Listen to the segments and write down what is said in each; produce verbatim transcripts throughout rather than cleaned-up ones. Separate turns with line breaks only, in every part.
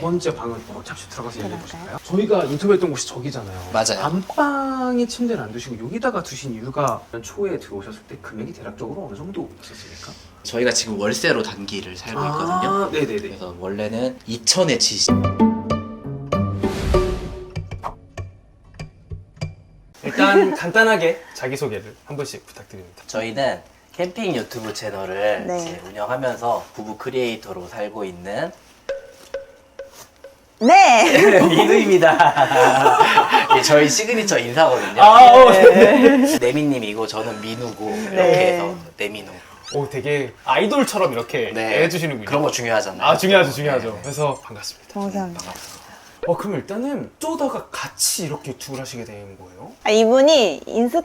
번째 방을 어, 잠시 들어가서 얘기해 보실까요? 저희가 인터뷰했던 곳이 저기잖아요.
맞아요.
안방에 침대를 안 두시고 여기다가 두신 이유가 초에 들어오셨을 때 금액이 대략적으로 어느 정도였습니까?
저희가 지금 월세로 단기를 살고 있거든요.
아, 네네네.
그래서 원래는 이천에 지시.
일단 간단하게 자기소개를 한 번씩 부탁드립니다.
저희는 캠핑 유튜브 채널을
네.
이제 운영하면서 부부 크리에이터로 살고 있는
네.
민우입니다. 예, 저희 시그니처 인사거든요.
아, 어,
네.
네미님이고 저는 민우고 이렇게
네.
해서 네민우.
오, 되게 아이돌처럼 이렇게
네.
해주시는군요.
그런 거 중요하잖아요.
아, 중요하죠, 중요하죠.
네.
그래서 반갑습니다.
감사합니다.
어, 그럼 일단은 쪼다가 같이 이렇게 유튜브를 하시게 된 거예요?
아, 이분이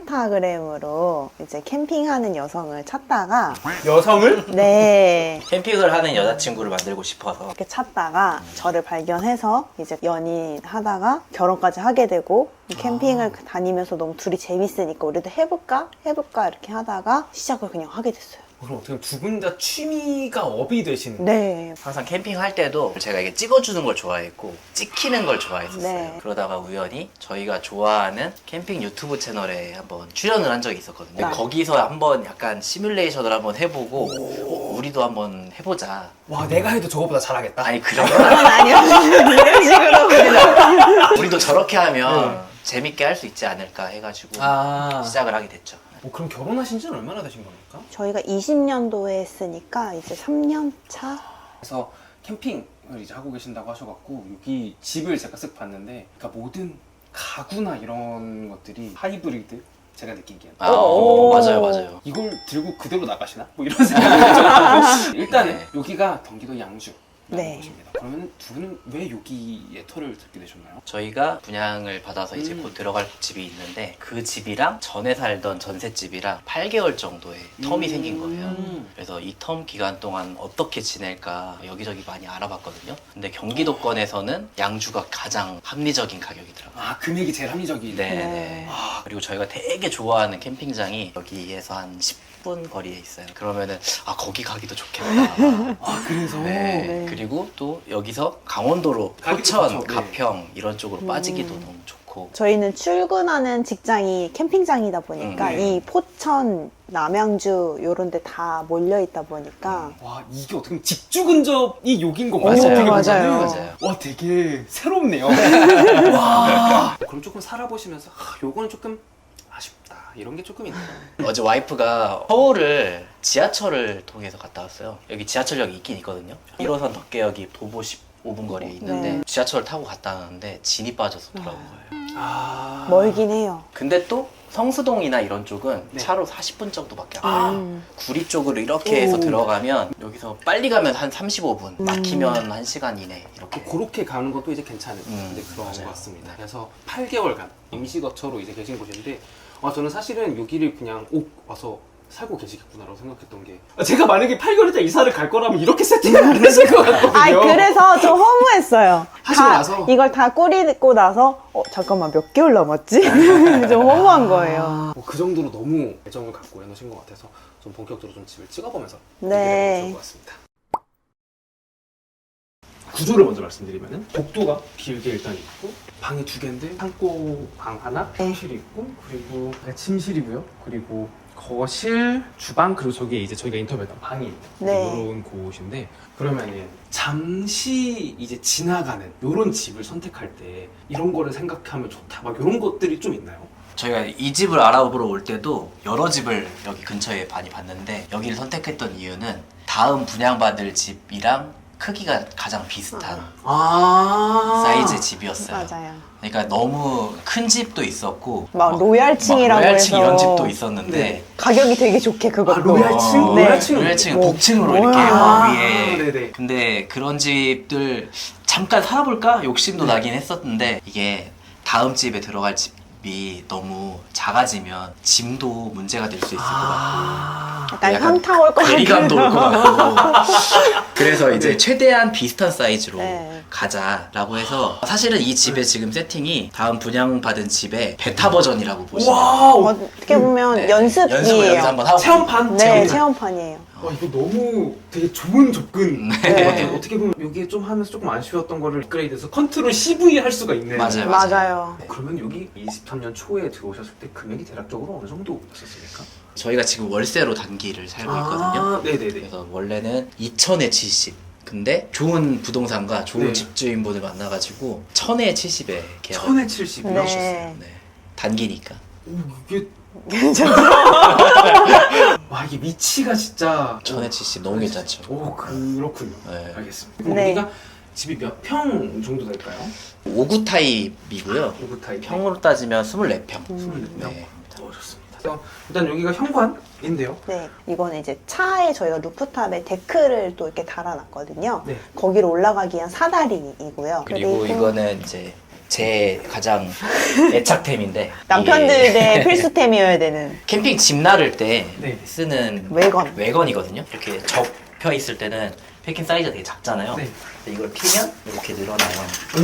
인스타그램으로 이제 캠핑하는 여성을 찾다가
여성을?
네.
캠핑을 하는 여자친구를 만들고 싶어서
이렇게 찾다가 저를 발견해서 이제 연인하다가 결혼까지 하게 되고 이 캠핑을 다니면서 너무 둘이 재밌으니까 우리도 해볼까? 해볼까? 이렇게 하다가 시작을 그냥 하게 됐어요.
그럼 어떻게 두 분 다 취미가 업이 되시는
네.
항상 캠핑할 때도 제가 이게 찍어주는 걸 좋아했고 찍히는 걸 좋아했었어요.
네.
그러다가 우연히 저희가 좋아하는 캠핑 유튜브 채널에 한번 출연을 한 적이 있었거든요.
네.
거기서 한번 약간 시뮬레이션을 한번 해보고 어, 우리도 한번 해보자.
와, 내가 해도 저거보다 잘하겠다.
아니 그런
그건
건
아니요. 이런 식으로 그냥.
우리도 저렇게 하면
네.
재밌게 할 수 있지 않을까 해가지고
아.
시작을 하게 됐죠.
어, 그럼 결혼하신 지는 얼마나 되신 겁니까?
저희가 이십 년도에 했으니까 이제 삼 년 차?
그래서 캠핑을 이제 하고 계신다고 하셔갖고 여기 집을 제가 쓱 봤는데 그러니까 모든 가구나 이런 것들이 하이브리드 제가 느끼기엔
아, 어, 맞아요, 맞아요.
이걸 들고 그대로 나가시나? 뭐 이런 생각이 들었고 일단은
네.
여기가 경기도 양주
네.
곳입니다. 그러면 두 분은 왜 여기에 터를 듣게 되셨나요?
저희가 분양을 받아서 이제
음.
곧 들어갈 집이 있는데 그 집이랑 전에 살던 전셋집이랑 팔 개월 정도의 텀이
음.
생긴 거예요. 그래서 이 텀 기간 동안 어떻게 지낼까 여기저기 많이 알아봤거든요. 근데 경기도권에서는 양주가 가장 합리적인 가격이더라고요.
아, 금액이 제일 합리적이네.
네,
네.
네. 그리고 저희가 되게 좋아하는 캠핑장이 여기에서 한 십 분 거리에 있어요. 그러면은 아 거기 가기도 좋겠다.
아, 그래서
네.
네.
그리고 또 여기서 강원도로
가기도
포천,
좋죠. 네.
가평 이런 쪽으로
음.
빠지기도 너무 좋고.
저희는 출근하는 직장이 캠핑장이다 보니까
음, 네.
이 포천, 남양주 요런 데 다 몰려 있다 보니까
와, 이게 어떻게 보면 직주 근접이 여긴 건가요?
맞아요.
어떻게
맞아요.
보면은?
맞아요.
와, 되게 새롭네요. 와. 그럼 조금 살아보시면서 아, 요거는 조금 아쉽다 이런 게 조금 있네요.
어제 와이프가 서울을 지하철을 통해서 갔다 왔어요. 여기 지하철역이 있긴 있거든요. 일 호선 덕계역이 도보 십오 분 거리에 있는데
네.
지하철을 타고 갔다 왔는데 진이 빠져서 돌아온 거예요.
아.
멀긴 해요.
근데 또 성수동이나 이런 쪽은
네.
차로 사십 분 정도밖에 안
아.
가요.
음.
구리 쪽으로 이렇게 해서
오.
들어가면 여기서 빨리 가면 한 삼십오 분,
음.
막히면 한 시간 이내 이렇게.
그렇게 가는 것도 이제 괜찮은
음,
데 그런
맞아요.
것 같습니다. 그래서 팔 개월간 임시거처로 이제 계신 곳인데 아, 저는 사실은 여기를 그냥 오 와서 살고 계시겠구나라고 생각했던 게 아, 제가 만약에 팔 개월 있다 이사를 갈 거라면 이렇게 세팅을 안 했을 것 같거든요.
아 그래서 좀 허무했어요.
하시고
다
나서?
이걸 다 꾸리고 나서 어 잠깐만 몇 개월 남았지? 좀 허무한 거예요.
뭐 그 정도로 너무 애정을 갖고 해놓으신 것 같아서 좀 본격적으로 좀 집을 찍어보면서
네.
얘기를 해보면 좋을 것 같습니다. 구조를 먼저 말씀드리면은 복도가 길게 일단 있고 방이 두 개인데 창고 방 하나, 침실이 있고 그리고 침실이고요. 그리고 거실, 주방 그리고 저기에 이제 저희가 인터뷰했던 방이 있는
네.
이런 곳인데 그러면은 잠시 이제 지나가는 이런 집을 선택할 때 이런 거를 생각하면 좋다 막 이런 것들이 좀 있나요?
저희가 이 집을 알아보러 올 때도 여러 집을 여기 근처에 많이 봤는데 여기를 선택했던 이유는 다음 분양받을 집이랑 크기가 가장 비슷한
아
사이즈의 집이었어요.
맞아요.
그러니까 너무 큰 집도 있었고
막
어,
로얄층이라고
막 로얄층
해서
이런 집도 있었는데
네.
가격이 되게 좋게 그것도.
아, 로얄층?
어,
네.
로얄층은
로얄층은
뭐,
복층으로
뭐야.
이렇게
아,
위에
네네.
근데 그런 집들 잠깐 살아볼까 욕심도
네.
나긴 했었는데 이게 다음 집에 들어갈 집이 너무 작아지면 짐도 문제가 될 수 있을 것 같고
아
약간,
약간
현타 올 것 같아요.
괴리감도 올 것 같고 그래서 이제
네.
최대한 비슷한 사이즈로
네.
가자라고 해서 사실은 이 집의 지금 세팅이 다음 분양받은 집의 베타 버전이라고 보시면
와우
어떻게 보면
네.
연습이에요.
연습을 여기서 한번 하고
체험판?
네,
체험판.
체험판이에요.
와 이거 너무 되게 좋은 접근.
네.
어떻게, 어떻게 보면 여기에 좀 하면서 조금 아쉬웠던 거를 업그레이드해서 컨트롤 씨브이 할 수가 있네.
맞아요.
맞아요.
그러면 여기 이십삼 년 초에 들어오셨을 때 금액이 대략적으로 어느 정도였었습니까?
저희가 지금 월세로 단기를 살고 있거든요.
아, 네네네.
그래서 원래는 이천에 칠십. 근데 좋은 부동산과 좋은
네.
집주인분을 만나가지고 천에 칠십에 계약.
천에 칠십이요?
네.
네. 단기니까.
오 이게
괜찮죠?
와 이게 위치가 진짜
천에 칠십 너무 괜찮죠.
오 그렇군요.
네.
알겠습니다. 그럼
네.
여기가 집이 몇 평 정도 될까요?
오 구 타입이고요.
오브 타입
평으로 따지면 이십사 평.
이십사 평.
네.
어, 좋습니다. 그래서 일단 여기가 현관인데요.
네, 이거는 이제 차에 저희가 루프탑에 데크를 또 이렇게 달아놨거든요.
네.
거기로 올라가기 위한 사다리이고요.
그리고 이거는 이제 제 가장 애착템인데
남편들의
이게
필수템이어야 되는
캠핑 집 나를 때
네.
쓰는
외건.
외건이거든요. 이렇게 접혀 있을 때는 패킹 사이즈가 되게 작잖아요.
네.
근데 이걸 피면 이렇게 늘어나요.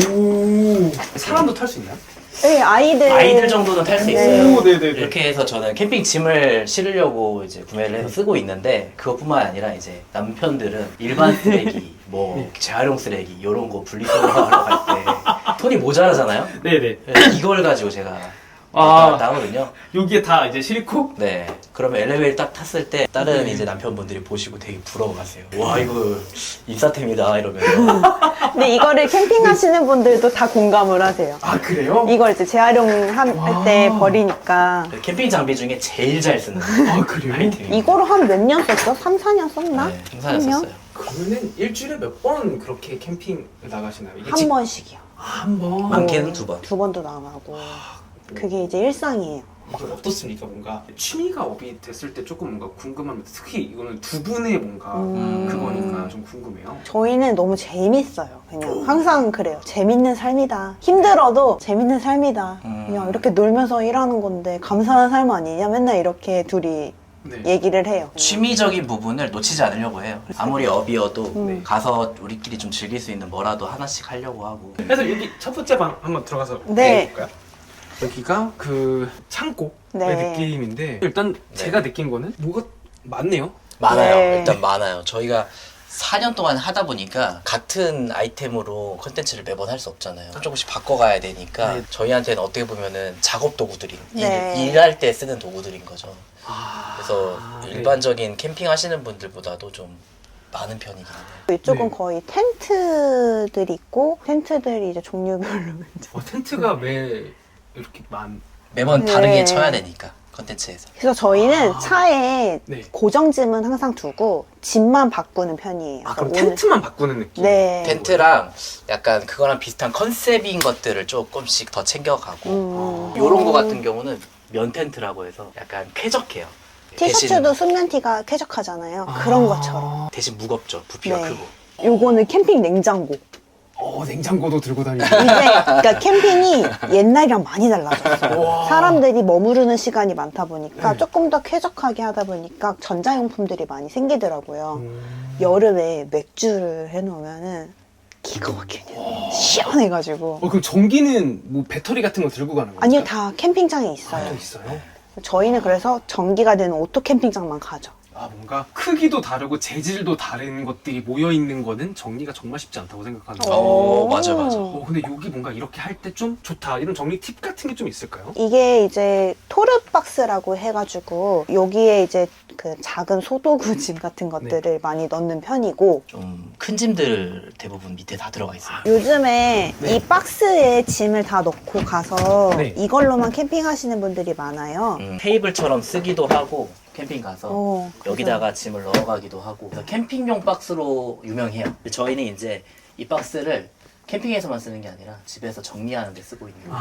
오 사람도 탈 수 있나요?
네, 아이들.
아이들 정도는 탈 수
네.
있어요.
오, 네네네.
이렇게 해서 저는 캠핑 짐을 실으려고 이제 구매를 해서 쓰고 있는데 그것뿐만 아니라 이제 남편들은 일반 쓰레기, 뭐
네.
재활용 쓰레기 이런 거 분리수거하러 갈 때 손이 모자라잖아요.
네네.
그래서 이걸 가지고 제가
아.
왔다 갔다 하거든요.
여기에 다 이제 실고
네. 그러면 엘리베이터 딱 탔을 때 다른
네.
이제 남편분들이 보시고 되게 부러워하세요. 와 이거 인싸템이다 이러면서.
근데 이거를 캠핑하시는 분들도 다 공감을 하세요.
아 그래요?
이걸 이제 재활용할
와.
때 버리니까.
캠핑 장비 중에 제일 잘 쓰는
아 그래요?
아이템이.
이거로 한 몇 년 썼어? 삼, 사 년 썼나?
네, 생산했었어요.
그러면은 일주일에 몇 번 그렇게 캠핑 나가시나요? 이게
한
집-
번씩이요.
아, 한 번.
많게는 두 번.
두 번도 나가고. 그게 이제 일상이에요.
이건 어떻습니까? 뭔가 취미가 업이 됐을 때 조금 뭔가 궁금합니다. 특히 이거는 두 분의 뭔가
음.
그거니까 좀 궁금해요.
저희는 너무 재밌어요. 그냥 항상 그래요. 재밌는 삶이다. 힘들어도 재밌는 삶이다.
음.
그냥 이렇게 놀면서 일하는 건데 감사한 삶 아니냐? 맨날 이렇게 둘이
네.
얘기를 해요.
취미적인 부분을 놓치지 않으려고 해요. 아무리 업이어도
음.
가서 우리끼리 좀 즐길 수 있는 뭐라도 하나씩 하려고 하고.
그래서 여기 첫 번째 방 한번 들어가서
네.
볼까요? 여기가 그 창고의
네.
느낌인데 일단 제가 느낀 거는 뭐가 많네요.
많아요.
네.
일단 많아요. 저희가 사 년 동안 하다 보니까 같은 아이템으로 컨텐츠를 매번 할 수 없잖아요. 조금씩 바꿔가야 되니까
네.
저희한테는 어떻게 보면은 작업 도구들이
네.
일, 일할 때 쓰는 도구들인 거죠.
아,
그래서
네.
일반적인 캠핑 하시는 분들보다도 좀 많은 편이긴 해요.
이쪽은
네.
거의 텐트들이 있고 텐트들이 이제 종류별로 이제.
어, 텐트가 왜 이렇게 많?
매번
네.
다르게 쳐야 되니까 컨텐츠에서.
그래서 저희는
아.
차에
네.
고정짐은 항상 두고 짐만 바꾸는 편이에요.
아 그럼
그래서 오늘-
텐트만 바꾸는 느낌?
네.
텐트랑 약간 그거랑 비슷한 컨셉인 것들을 조금씩 더 챙겨가고
음.
요런 거 같은 경우는 면 텐트라고 해서 약간 쾌적해요.
티셔츠도 순면 티가 쾌적하잖아요. 그런 것처럼.
대신, 대신 무겁죠. 부피가
네.
크고.
요거는 캠핑 냉장고.
어 냉장고도 들고 다니고.
이제 그러니까 캠핑이 옛날이랑 많이 달라졌어요.
와.
사람들이 머무르는 시간이 많다 보니까
네.
조금 더 쾌적하게 하다 보니까 전자용품들이 많이 생기더라고요.
음.
여름에 맥주를 해놓으면은 기가 막히게 시원해가지고.
어 그럼 전기는 뭐 배터리 같은 거 들고 가는 거예요?
아니요, 다 캠핑장에
아,
있어요.
또 있어요?
저희는 그래서 전기가 되는 오토 캠핑장만 가죠.
아 뭔가 크기도 다르고 재질도 다른 것들이 모여 있는 거는 정리가 정말 쉽지 않다고 생각하는 거예요.
어, 맞아, 맞아.
어 근데 여기 뭔가 이렇게 할 때 좀 좋다 이런 정리 팁 같은 게 좀 있을까요?
이게 이제 토르박스라고 해가지고 여기에 이제 그 작은 소도구 짐 같은 것들을 많이 넣는 편이고
좀 큰 짐들 대부분 밑에 다 들어가 있어요.
요즘에
네.
이 박스에 짐을 다 넣고 가서
네.
이걸로만 캠핑하시는 분들이 많아요.
음, 테이블처럼 쓰기도 하고 캠핑 가서
어,
여기다가 짐을 넣어가기도 하고 그래서 캠핑용 박스로 유명해요. 근데 저희는 이제 이 박스를 캠핑에서만 쓰는 게 아니라 집에서 정리하는 데 쓰고 있는 거예요.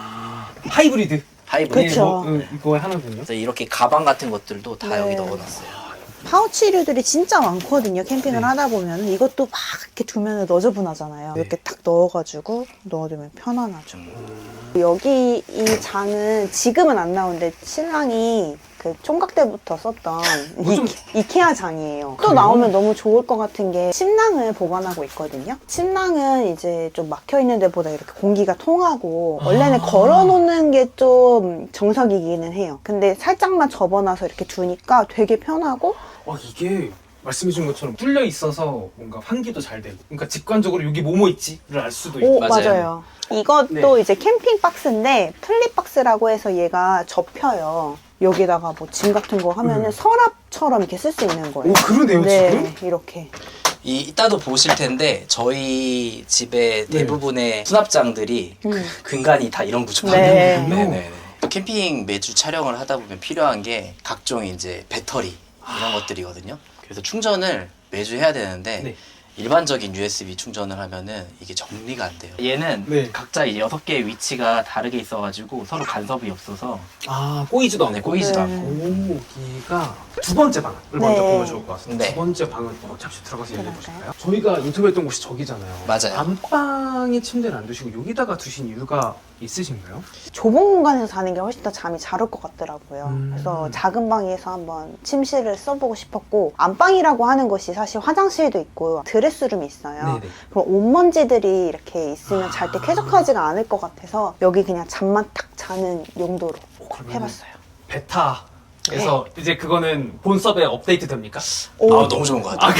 아 하이브리드.
하이브리드.
그쵸.
네, 뭐, 음, 이거 하나군요.
그래서 이렇게 가방 같은 것들도 다
네.
여기 넣어놨어요.
파우치류들이 진짜 많거든요. 캠핑을
네.
하다 보면 이것도 막 이렇게 두면 너저분하잖아요.
네.
이렇게 딱 넣어가지고 넣어두면 편안하죠.
좀
여기 이 장은 지금은 안 나오는데 신랑이 그 총각 때부터 썼던
뭐 좀-
이, 이케아 장이에요. 또
그래요?
나오면 너무 좋을 것 같은 게 침낭을 보관하고 있거든요. 침낭은 이제 좀 막혀 있는 데보다 이렇게 공기가 통하고 원래는
아.
걸어놓는 게 좀 정석이기는 해요. 근데 살짝만 접어놔서 이렇게 두니까 되게 편하고
아 이게 말씀해준 것처럼 뚫려 있어서 뭔가 환기도 잘 되고, 그러니까 직관적으로 여기 뭐뭐 있지를 알 수도 있고.
오,
맞아요.
맞아요. 이것도
네.
이제 캠핑 박스인데 플립 박스라고 해서 얘가 접혀요. 여기다가 뭐 짐 같은 거 하면은
음.
서랍처럼 이렇게 쓸 수 있는 거예요.
오, 그러네요,
네,
지금.
이렇게.
이, 이따도 보실 텐데 저희 집의
네.
대부분의 수납장들이
음.
그 근간이 다 이런 구조거든요.
네.
네네네. 캠핑 매주 촬영을 하다 보면 필요한 게 각종 이제 배터리 이런 것들이거든요. 그래서 충전을 매주 해야 되는데
네.
일반적인 유에스비 충전을 하면은 이게 정리가 안 돼요. 얘는
네.
각자 이제 여섯 개의 위치가 다르게 있어가지고 서로 간섭이 없어서
아, 꼬이지도 않고.
네, 꼬이지도
네.
않고.
여기가 두 번째 방을 먼저
네.
보면 좋을 것 같습니다.
네.
두 번째 방을 어, 잠시 들어가서 얘기해
들어갈까요?
보실까요? 저희가 인터뷰했던 곳이 저기잖아요.
맞아요.
안방에 침대를 안 두시고 여기다가 두신 이유가 있으신가요?
좁은 공간에서 자는 게 훨씬 더 잠이 잘 올 것 같더라고요.
음.
그래서 작은 방에서 한번 침실을 써보고 싶었고, 안방이라고 하는 것이 사실 화장실도 있고 드레스룸이 있어요.
네네.
그럼 옷먼지들이 이렇게 있으면 잘 때 쾌적하지가 않을 것 같아서 여기 그냥 잠만 탁 자는 용도로
오, 그러면
해봤어요.
베타에서 이제 그거는 본섭에 업데이트 됩니까?
오.
아 너무 좋은 것 같아요.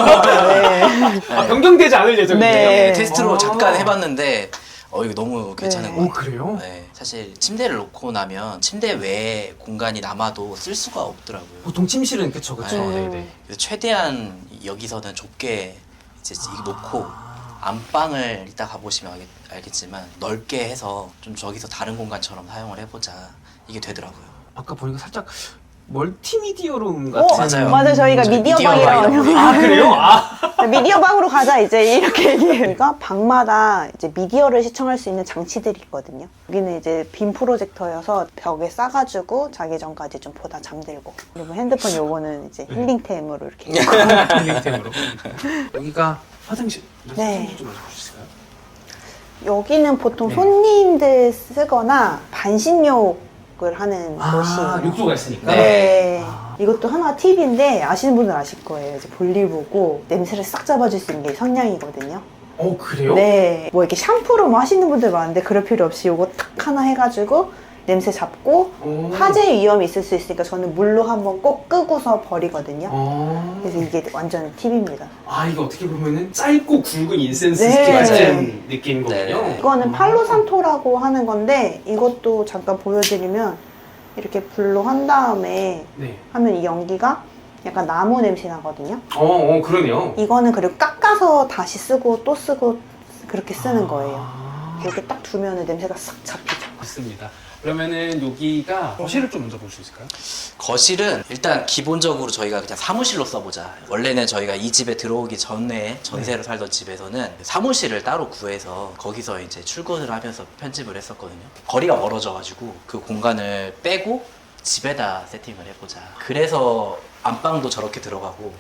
네.
아, 변경되지 않을 예정이에요?
네.
네, 테스트로
아.
잠깐 해봤는데 어 이거 너무 괜찮은
네.
것
오,
같아요.
그래요?
네, 사실 침대를 놓고 나면 침대 외에 공간이 남아도 쓸 수가 없더라고요.
보통 침실은 그쵸, 그쵸.
네.
네네.
그래서 최대한 여기서는 좁게 이제 이거 놓고
아.
안방을 이따 가보시면 알겠, 알겠지만 넓게 해서 좀 저기서 다른 공간처럼 사용을 해보자 이게 되더라고요.
아까 보니까 살짝 멀티미디어룸
어,
같은.
맞아요.
맞아요. 저희가
저희
미디어
미디어
방이라고.
방이라고
아, 그래요? 아.
미디어 방으로 가자, 이제 이렇게 얘기해요. 그러니까 방마다 이제 미디어를 시청할 수 있는 장치들이 있거든요. 여기는 이제 빔 프로젝터여서 벽에 싸가지고 자기 전까지 좀 보다 잠들고. 그리고 핸드폰 요거는 이제 힐링템으로 이렇게.
힐링템으로. 여기가 화장실.
네.
화장실 좀 알려주실까요?
여기는 보통
네.
손님들 쓰거나 반신욕을 하는
아,
곳이에요.
욕조가 있으니까.
네.
아.
이것도 하나 팁인데 아시는 분들 아실 거예요. 이제 볼일 보고 냄새를 싹 잡아줄 수 있는 게 성냥이거든요.
어, 그래요?
네. 뭐 이렇게 샴푸로 뭐 하시는 분들 많은데 그럴 필요 없이 요거 탁 하나 해가지고 냄새 잡고
오.
화재 위험이 있을 수 있으니까 저는 물로 한번 꼭 끄고서 버리거든요.
어.
그래서 이게 완전 팁입니다.
아, 이게 어떻게 보면은 짧고 굵은 인센스
네.
스틱 같은
맞아요.
느낌인 거군요.
네.
이거는
아.
팔로산토라고 하는 건데 이것도 잠깐 보여드리면 이렇게 불로 한 다음에
네.
하면 이 연기가 약간 나무 냄새 나거든요.
어, 어, 그러네요.
이거는 그리고 깎아서 다시 쓰고 또 쓰고 그렇게 쓰는 거예요.
아.
이렇게 딱 두면 냄새가 싹 잡히죠.
맞습니다. 그러면은 여기가 거실을 좀 먼저 볼 수 있을까요?
거실은 일단 기본적으로 저희가 그냥 사무실로 써보자. 원래는 저희가 이 집에 들어오기 전에 전세로 살던 집에서는 사무실을 따로 구해서 거기서 이제 출근을 하면서 편집을 했었거든요. 거리가 멀어져가지고 그 공간을 빼고 집에다 세팅을 해보자. 그래서 안방도 저렇게 들어가고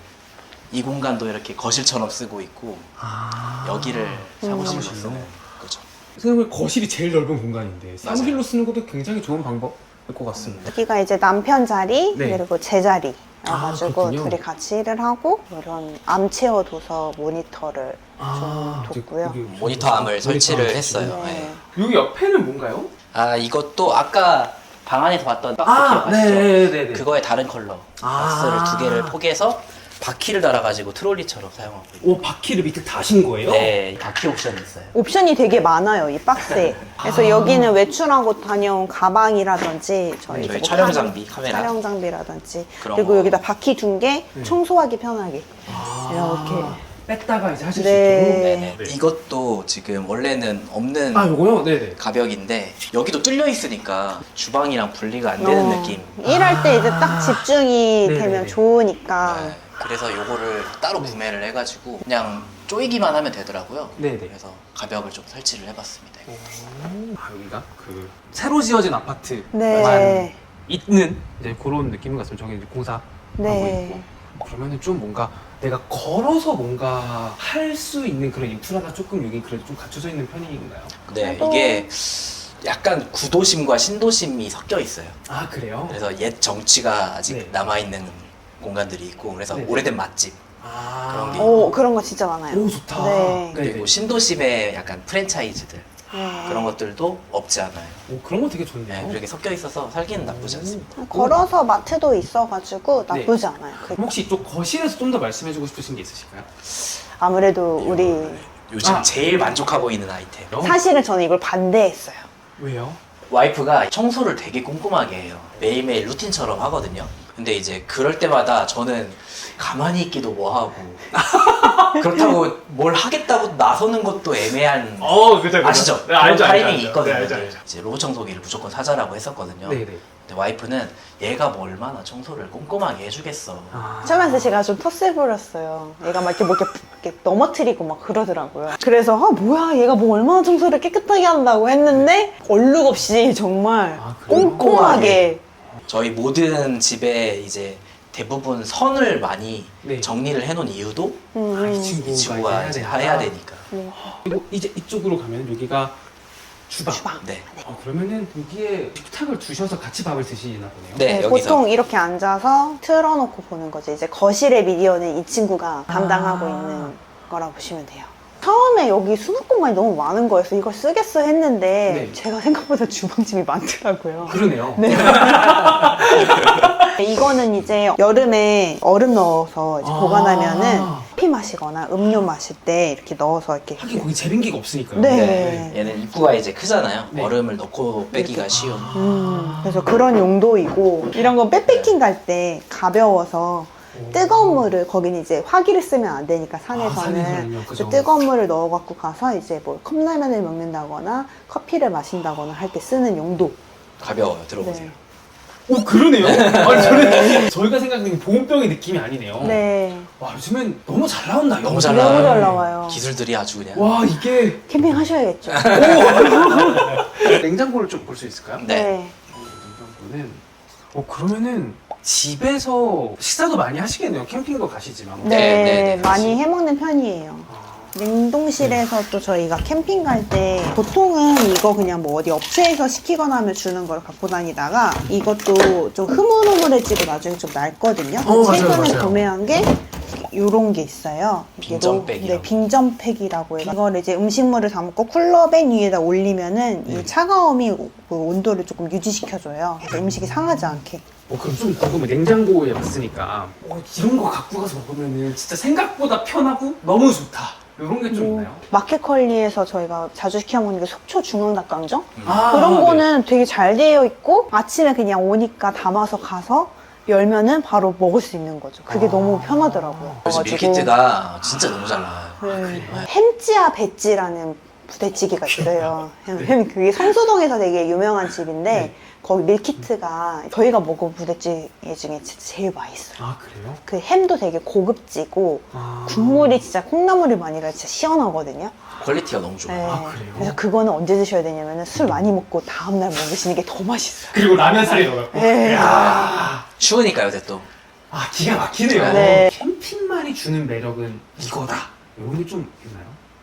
이 공간도 이렇게 거실처럼 쓰고 있고
아.
여기를 사무실로
사무실로?
쓰는 거죠.
생각해보면 거실이 제일 넓은 공간인데
맞아요.
사무실로 쓰는 것도 굉장히 좋은 방법일 것 같습니다.
여기가 이제 남편 자리
네.
그리고 제 자리
아,
그래가지고
그렇군요.
둘이 같이 일을 하고 이런 암체어 도서 모니터를
아,
좀 뒀고요.
여기
모니터암을
모니터
설치를
암
했어요.
네.
여기 옆에는 뭔가요?
아 이것도 아까 방 안에서 봤던 박스
아,
기억하시죠?
네네네.
그거의 다른 컬러
아.
박스를 두 개를 포개서 바퀴를 달아가지고 트롤리처럼 사용하고 있어요.
오, 바퀴를 밑에 다신 거예요?
네, 바퀴 옵션이 있어요.
옵션이 되게 많아요, 이 박스에. 그래서
아.
여기는 외출하고 다녀온 가방이라든지 저희,
저희
이제
촬영
카-
장비, 카메라.
촬영 장비라든지
그런
그리고
거.
여기다 바퀴 둔 게
네.
청소하기 편하게
아.
이렇게.
뺐다가 이제 하실
네.
수 있도록.
네네.
네.
이것도 지금 원래는 없는
아, 요거요? 네네.
가벽인데 여기도 뚫려 있으니까 주방이랑 분리가 안 되는
어,
느낌.
일할 때 이제 딱 집중이
네네네.
되면 좋으니까.
네, 그래서 요거를 따로 구매를 해가지고 그냥 조이기만 하면 되더라고요.
네네.
그래서 가벽을 좀 설치를 해봤습니다.
아, 여기가 그 새로 지어진 아파트만
네.
있는 이제 그런 느낌 같습니다. 저기 이제 공사하고
네.
있고. 그러면은 좀 뭔가 내가 걸어서 뭔가 할 수 있는 그런 인프라가 조금 여기 그래도 좀 갖춰져 있는 편인가요?
네,
그래도-
이게 약간 구도심과 신도심이 섞여 있어요.
아, 그래요?
그래서 옛 정취가 아직
네.
남아있는 공간들이 있고 그래서
네.
오래된 맛집
아,
그런 게
오, 그런 거 진짜 많아요.
오, 좋다.
네.
그리고 신도심의 약간 프랜차이즈들
네.
그런 것들도 없지 않아요.
오, 그런 거 되게
네,
좋네요.
이렇게 섞여 있어서 살기는 나쁘지 않습니다.
걸어서 마트도 있어가지고 나쁘지 않아요. 그-
그럼 혹시 이쪽 거실에서 좀 더 말씀해주고 싶으신 게 있으실까요?
아무래도 우리
요즘
아.
제일 만족하고 있는 아이템.
사실은 저는 이걸 반대했어요.
왜요?
와이프가 청소를 되게 꼼꼼하게 해요. 매일매일 루틴처럼 하거든요. 근데 이제 그럴 때마다 저는 가만히 있기도 뭐하고 그렇다고 뭘 하겠다고 나서는 것도 애매한
어, 그죠, 그죠.
아시죠?
네,
그런
알죠,
타이밍이
알죠, 알죠.
있거든요.
네, 알죠, 알죠.
이제 로봇 청소기를 무조건 사자라고 했었거든요.
네네.
근데 와이프는 얘가 뭐 얼마나 청소를 꼼꼼하게 해주겠어.
아.
처음에 제가 좀 토스 부렸어요. 얘가 막 이렇게 뭐 이렇게, 이렇게 넘어뜨리고 막 그러더라고요. 그래서 아 뭐야 얘가 뭐 얼마나 청소를 깨끗하게 한다고 했는데 얼룩 없이 정말
아, 그래요?
꼼꼼하게.
저희 모든 집에 이제 대부분 선을 많이
네.
정리를 해놓은 이유도
음,
아, 이
음.
친구가
이 친구가 이제
되니까.
해야 되니까.
네.
그리고 이제 이쪽으로 가면 여기가 주방.
주방.
네.
어, 그러면은 여기에 식탁을 두셔서 같이 밥을 드시나 보네요.
네,
네,
여기서.
보통 이렇게 앉아서 틀어놓고 보는 거죠. 이제 거실의 미디어는 이 친구가 담당하고
아.
있는 거라 보시면 돼요. 처음에 여기 수납 공간이 너무 많은 거여서 이걸 쓰겠어 했는데
네.
제가 생각보다 주방집이 많더라고요.
그러네요.
네. 이거는 이제 여름에 얼음 넣어서 이제
아.
보관하면은 커피 마시거나 음료 마실 때 이렇게 넣어서 이렇게
하긴 거기 재빙기가 없으니까요.
네.
네. 얘는 입구가 이제 크잖아요.
네.
얼음을 넣고 빼기가 쉬운.
음, 그래서 그런 용도이고 이런 건 백패킹 갈 때 가벼워서
오.
뜨거운 물을 거기는 이제 화기를 쓰면 안 되니까
아,
산에서는
산에서는요, 그죠.
그래서 뜨거운 물을 넣어 갖고 가서 이제 뭐 컵라면을 먹는다거나 커피를 마신다거나 할 때 쓰는 용도.
가벼워요. 들어보세요.
네.
오, 그러네요. 아니, 저는 저희가 생각하는 보온병의 느낌이 아니네요.
네.
와, 요즘엔 너무 잘 나온다.
너무
이거.
잘
너무
나와요.
잘 나와요.
기술들이 아주 그냥.
와, 이게
캠핑 하셔야겠죠.
냉장고를 좀 볼 수 있을까요?
네.
냉장고는 어 그러면은 집에서 식사도 많이 하시겠네요. 캠핑도 가시지만.
네,
네, 네, 네,
많이 해먹는 편이에요.
아,
냉동실에서 또 저희가 캠핑 갈 때 보통은 이거 그냥 뭐 어디 업체에서 시키거나 하면 주는 걸 갖고 다니다가 이것도 좀 흐물흐물해지고 나중에 좀 낡거든요.
어, 맞아요,
최근에
맞아요.
구매한 게 요런 게 있어요. 이게
빙전백이라고.
네, 빙전팩이라고 해요. 이걸 이제 음식물을 담고 쿨러백 위에다 올리면은
네.
이 차가움이 그 온도를 조금 유지시켜줘요. 그래서 음식이 상하지 않게.
어 그럼 좀 궁금해. 냉장고에 왔으니까 어, 이런 거 갖고 가서 먹으면은 진짜 생각보다 편하고 너무 좋다. 이런 게 좀
뭐,
있나요?
마켓컬리에서 저희가 자주 시켜 먹는 게 속초 중앙닭강정?
아,
그런
네.
거는 되게 잘 되어 있고 아침에 그냥 오니까 담아서 가서 열면은 바로 먹을 수 있는 거죠. 그게
아.
너무 편하더라고요.
요즘
그래가지고
밀키트가 진짜 너무 잘 나와요.
네. 햄찌야 배찌라는 부대찌개가 있어요. 햄 그게 성수동에서 되게 유명한 집인데
네.
거기 밀키트가 저희가 먹은 부대찌개 중에 진짜 제일 맛있어요.
아 그래요?
그 햄도 되게 고급지고
아.
국물이 진짜 콩나물이 많이 나 진짜 시원하거든요.
퀄리티가 너무 좋아요.
네.
아, 그래요?
그래서 그거는 언제 드셔야 되냐면 술 많이 먹고 다음날 먹으시는 게 더 맛있어요.
그리고 라면 사리 넣어갖고.
네.
야.
추우니까 요새 또.
아 기가 막히네요.
네.
캠핑만이 주는 매력은 이거다. 이런 게 좀 있나요?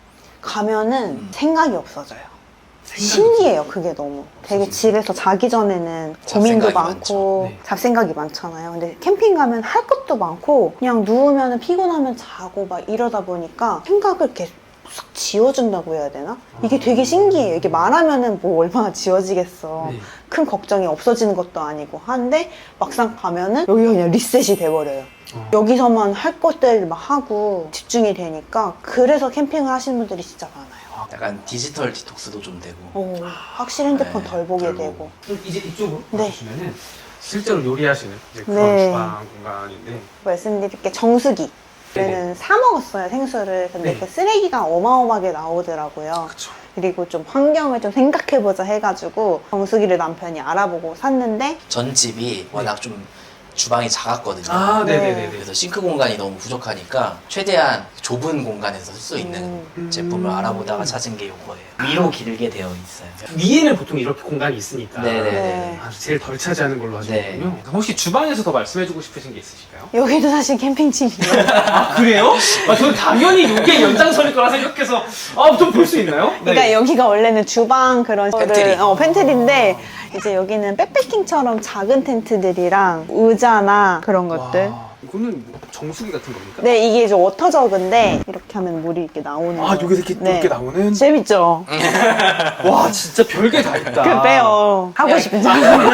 가면은
음.
생각이 없어져요.
생각이
신기해요, 그게 너무. 되게
없어지네.
집에서 자기 전에는
잡생각이
고민도 많고,
많죠. 네.
잡생각이 많잖아요. 근데 캠핑 가면 할 것도 많고, 그냥 누우면 피곤하면 자고 막 이러다 보니까 생각을 이렇게 싹 지워준다고 해야 되나? 이게 되게 신기해요. 이게 말하면은 뭐 얼마나 지워지겠어.
네.
큰 걱정이 없어지는 것도 아니고 한데, 막상 가면은 여기가 그냥 리셋이 돼버려요.
어.
여기서만 할 것들 막 하고 집중이 되니까, 그래서 캠핑을 하시는 분들이 진짜 많아요.
약간 디지털 디톡스도 좀 되고.
오, 확실히 핸드폰
네,
덜 보게
덜
되고.
보고.
그럼 이제 이쪽으로
네.
보시면은 실제로 요리하시는 이제 그런
네.
주방 공간인데
말씀드릴 게 정수기.
네네.
저는 사 먹었어요, 생수를. 근데
네.
그 쓰레기가 어마어마하게 나오더라고요.
그쵸.
그리고 좀 환경을 좀 생각해보자 해가지고 정수기를 남편이 알아보고 샀는데
전 집이 워낙 좀 주방이 작았거든요.
아
네.
네네네.
그래서 싱크 공간이 너무 부족하니까 최대한 좁은 공간에서 쓸 수 있는
음.
제품을 알아보다가 찾은 게 이거예요. 위로 길게 되어 있어요.
위에는 보통 이렇게 공간이 있으니까
네네네.
네.
아주 제일 덜 차지하는 걸로 하시는군요.
네.
혹시 주방에서 더 말씀해주고 싶으신 게 있으실까요?
여기도 사실 캠핑집이에요.
아 그래요? 아 저는 당연히 이게 연장선일 거라 생각해서 아좀 볼 수 있나요?
그러니까 여기가 원래는 주방 그런
팬트리.
거를 어, 팬트리인데 이제 여기는 백패킹처럼 작은 텐트들이랑 의자나 그런 것들.
와, 이거는 뭐 정수기 같은 겁니까?
네, 이게 이제 워터저그인데 이렇게 하면 물이 이렇게 나오는
아,
거예요.
여기서 이렇게,
네.
이렇게 나오는?
재밌죠?
와, 진짜 별게 다 있다.
그래요. 하고 싶은지.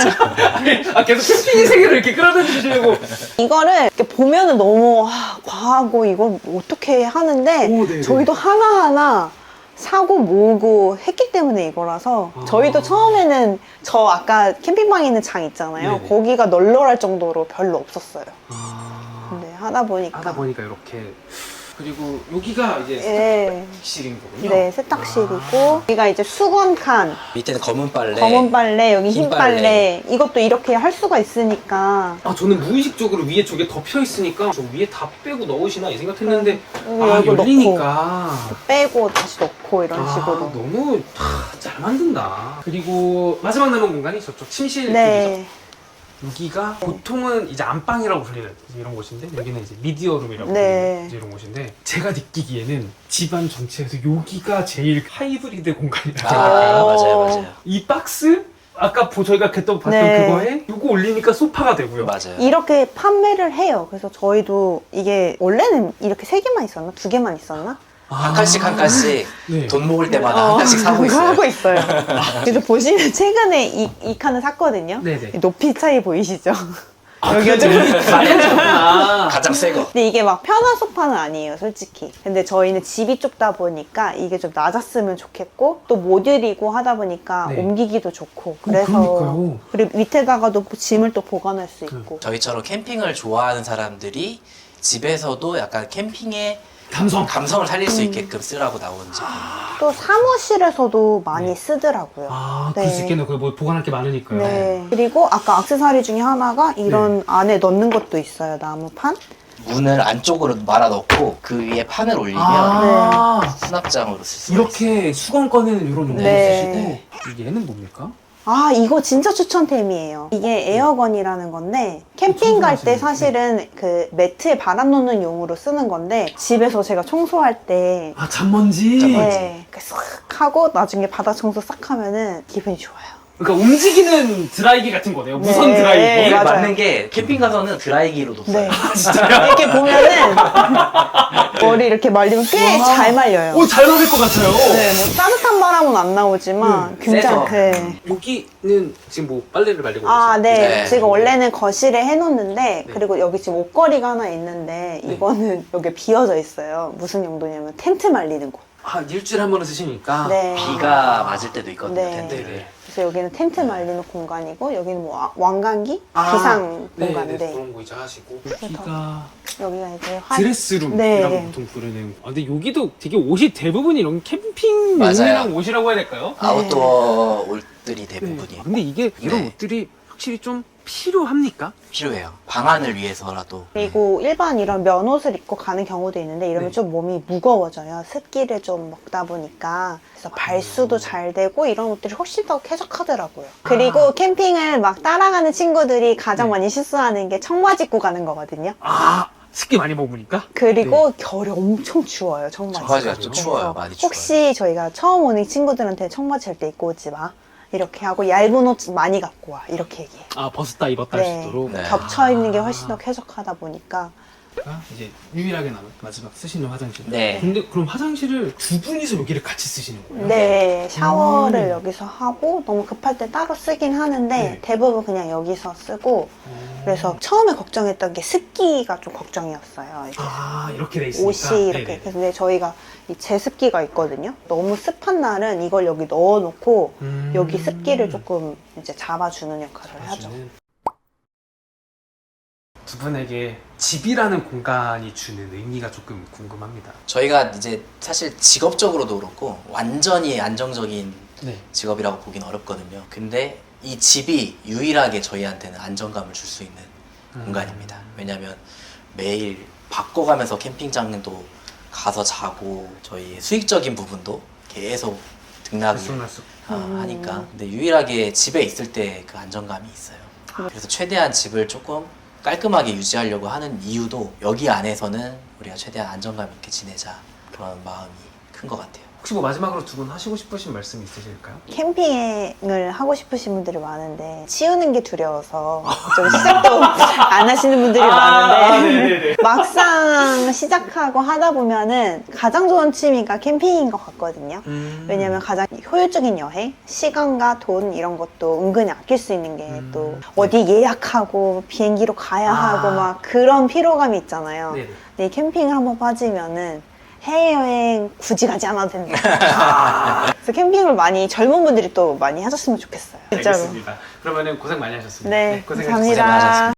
아, 계속 캠핑의 세계를 이렇게 끌어다니시려고.
이거를 이렇게 보면은 너무 아, 과하고 이걸 어떻게 하는데
오, 네네.
저희도 하나하나 사고 모으고 했기 때문에 이거라서
아.
저희도 처음에는 저 아까 캠핑방에 있는 장 있잖아요.
네네.
거기가 널널할 정도로 별로 없었어요.
아,
근데 하다 보니까
하다 보니까 이렇게. 그리고 여기가 이제
예.
세탁실인 거군요.
네, 세탁실이고
아.
여기가 이제 수건 칸,
밑에는 검은 빨래.
검은 빨래, 여기 흰
흰
빨래.
빨래.
이것도 이렇게 할 수가 있으니까
아, 저는 무의식적으로 위에 저게 덮여 있으니까 저 위에 다 빼고 넣으시나 이 생각했는데
여기
아,
열고
열리니까
빼고 다시 넣고 이런
아,
식으로.
너무 하, 잘 만든다. 그리고 마지막 남은 공간이 저쪽 침실 쪽이죠.
네.
여기가 보통은 이제 안방이라고 불리는 이제 이런 곳인데 여기는 이제 미디어룸이라고
네.
불리는 이제 이런 곳인데 제가 느끼기에는 집안 전체에서 여기가 제일 하이브리드 공간이라고
아,
할까요?
맞아요, 맞아요.
이 박스 아까 보, 저희가 그때 봤던
네.
그거에 이거 올리니까 소파가 되고요.
맞아요.
이렇게 판매를 해요. 그래서 저희도 이게 원래는 이렇게 세 개만 있었나? 두 개만 있었나?
한 칸씩 한 칸씩
네.
돈 모을 때마다 한 칸씩 사고
그거
있어요.
하고 있어요. 그래서 보시면 최근에 이, 이 칸을 샀거든요.
네네.
높이 차이 보이시죠?
아,
여기가 좀
많이 하셨구나.
가장 새 거.
근데 이게 막 편한 소파는 아니에요, 솔직히. 근데 저희는 집이 좁다 보니까 이게 좀 낮았으면 좋겠고 또 모듈이고 하다 보니까
네.
옮기기도 좋고 그래서
그러니까요.
그리고 밑에다가도 짐을 또 보관할 수 있고
저희처럼 캠핑을 좋아하는 사람들이 집에서도 약간 캠핑의
감성.
감성을 살릴 수 있게끔 쓰라고 나온 제품.
또 사무실에서도 많이
네.
쓰더라고요.
아,
네.
그럴 수 있겠네요. 그 뭐 보관할 게 많으니까요.
네. 그리고 아까 액세서리 중에 하나가 이런
네.
안에 넣는 것도 있어요. 나무판.
문을 안쪽으로 말아 넣고 그 위에 판을 올리면
아,
수납장으로 쓸 수 있어요.
이렇게 수건 꺼내는 이런 용도로
네.
쓰시고 얘는 뭡니까?
아, 이거 진짜 추천템이에요. 이게 에어건이라는 건데 캠핑 갈 때
청소하시는
사실은 그 매트에 바람 놓는 용으로 쓰는 건데 집에서 제가 청소할 때
아, 잔먼지.
잔먼지.
네, 이렇게 싹 하고 나중에 바닥 청소 싹 하면은 기분이 좋아요.
그러니까 움직이는 드라이기 같은 거네요. 무선
네,
드라이기.
이게
맞아요.
맞는 게 캠핑 가서는 드라이기로도 써요.
네. 이렇게 보면은 머리 이렇게 말리면 꽤
와.
잘 말려요.
오, 잘 맞을 것 같아요.
네, 뭐 따뜻한 바람은 안 나오지만
네,
굉장히
세서.
네.
여기는 지금 뭐 빨래를 말리고
아,
계세요?
네.
네.
지금 원래는 거실에 해놓는데
네.
그리고 여기 지금 옷걸이가 하나 있는데
네.
이거는 여기 비어져 있어요. 무슨 용도냐면 텐트 말리는 곳.
아, 일주일에 한 번은 쓰시니까.
네.
비가 맞을 때도 있거든요.
네.
텐트를.
그래서 여기는 텐트 말리는 공간이고 여기는 뭐 와- 왕관기?
아,
기상
네,
공간인데
네, 그런 거 이제 하시고. 여기가
여기가 이제 화...
드레스룸이라고
네.
보통 부르는. 아, 근데 여기도 되게 옷이 대부분 이런 캠핑
맞아요.
용이랑 옷이라고 해야 될까요?
아웃도어 옷들이
네.
대부분이에요.
근데 이게 이런
네.
옷들이 확실히 좀 필요합니까?
필요해요. 방안을 위해서라도.
그리고 일반 이런 면옷을 입고 가는 경우도 있는데 이러면
네.
좀 몸이 무거워져요. 습기를 좀 먹다 보니까. 그래서 발수도 잘 되고 이런 옷들이 훨씬 더 쾌적하더라고요. 그리고
아.
캠핑을 막 따라가는 친구들이 가장
네.
많이 실수하는 게 청바지 입고 가는 거거든요.
아, 습기 많이 먹으니까?
그리고 겨울에 엄청 추워요, 청바지.
청바지가 좀
그래서
추워요. 많이 추워요.
혹시 저희가 처음 오는 친구들한테 청바지 할 때 입고 오지 마. 이렇게 하고 얇은 옷 많이 갖고 와. 이렇게 얘기해요.
아, 벗었다 입었다 할 수 있도록.
네.
겹쳐 입는 게 훨씬 더 쾌적하다 보니까
아, 이제 유일하게 남은 마지막 쓰시는 화장실.
네.
근데 그럼 화장실을 두 분이서 여기를 같이 쓰시는 거예요?
네, 샤워를
음.
여기서 하고 너무 급할 때 따로 쓰긴 하는데
네.
대부분 그냥 여기서 쓰고
어.
그래서 처음에 걱정했던 게 습기가 좀 걱정이었어요. 이게
아, 이렇게 돼 있으니까.
옷이 이렇게
네네.
그래서 근데 저희가 이 제습기가 있거든요. 너무 습한 날은 이걸 여기 넣어놓고
음.
여기 습기를 조금 이제 잡아주는 역할을 하죠.
사실은 두 분에게 집이라는 공간이 주는 의미가 조금 궁금합니다.
저희가 이제 사실 직업적으로도 그렇고 완전히 안정적인
네.
직업이라고 보긴 어렵거든요. 근데 이 집이 유일하게 저희한테는 안정감을 줄 수 있는
음.
공간입니다. 왜냐면 매일 바꿔가면서 캠핑장도 가서 자고 저희 수익적인 부분도 계속 등락을
들쑥날쑥.
아,
음.
하니까 근데 유일하게 집에 있을 때 그 안정감이 있어요. 그래서 최대한 집을 조금 깔끔하게 유지하려고 하는 이유도 여기 안에서는 우리가 최대한 안정감 있게 지내자 그런 마음이 큰 것 같아요.
혹시 뭐 마지막으로 두 분 하시고 싶으신 말씀 있으실까요?
캠핑을 하고 싶으신 분들이 많은데 치우는 게 두려워서 좀 시작도 안 하시는 분들이 많은데
네네네.
막상 시작하고 하다 보면은 가장 좋은 취미가 캠핑인 것 같거든요.
음.
왜냐면 가장 효율적인 여행, 시간과 돈 이런 것도 은근히 아낄 수 있는 게
음.
또 어디 예약하고 비행기로 가야
아.
하고 막 그런 피로감이 있잖아요.
네네.
근데 이 캠핑을 한번 빠지면은 해외여행 굳이 가지 않아도 된다. 그래서 캠핑을 많이 젊은 분들이 또 많이 하셨으면 좋겠어요. 진짜로.
알겠습니다. 그러면은 고생 많이 하셨습니다.
네,
고생하셨습니다.
감사합니다.
고생 많으셨습니다.